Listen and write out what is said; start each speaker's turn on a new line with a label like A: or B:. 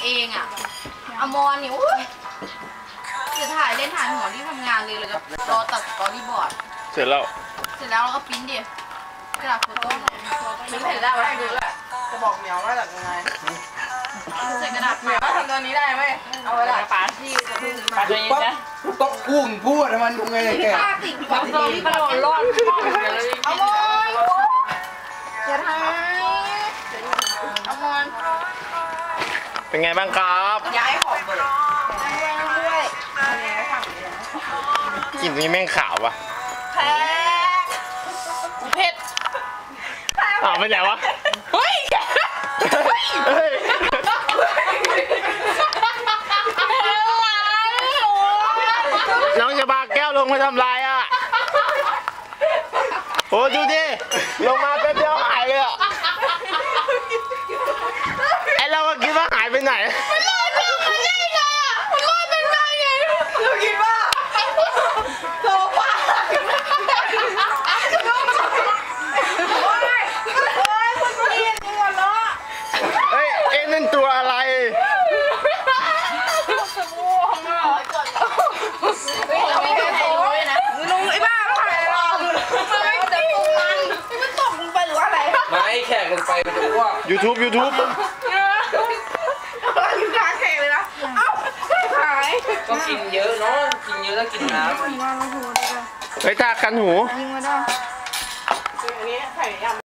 A: เองอ่ะอมรเนี่ยจะถ่ายเล่นถ่ายหัวที่ทำงานเลยแล้วก็รอตัดสตอรี่บอร์ด
B: เสร็จแล้ว
A: เราก็พิมพ์ดิกระดาษโฟโต้พิมพ์เสร็จแล้วให้ดูแหละจะบอกเหมียวว่าจากยังไงใส่กระดาษเหมียวว่าทำตัวนี้ได้ไหมเอาไว้ละปาที่จะพึ่งปาตัวนี้นะ
C: ต้องกุ้งพูดมันดูไงแก
A: ติดกับตัวที่กระโดดรอดเอาบอลจะทำเอาบอล
B: เป็นไงบ้างครับ
A: ย้ายของเลยด้วย
B: กลิ่นนี้แม่งขาววะ
A: แพ้เผ็ด
B: ไปไหนวะ
A: เฮ้ย
B: น้องจะพาแก้วลงมาทำลายอ่ะโอ้ดูดิลงมาแป๊บเดียวหายเลยอ่ะไอเราก็คิดว่าหายไปไหน
A: เราคิดว่าโซฟา
B: เฮ้ยเอ็นนั่นตัวอะไร
A: ลุงไอ้บ้าไม่ถ่ายหรอกไม่จะตกมันตกลงไปหรืออะไร
C: ไม่แขกลงไปมันจะอ้วก
B: YouTube
A: อยู่กลางแข่งเลยนะเอ้าหาย
C: ก็กินเยอะเนาะกินเยอะแล้วกินน้ำ
B: เฮ้ยตาคันหู
A: ยิงมาได้อันนี้ไข่ยำ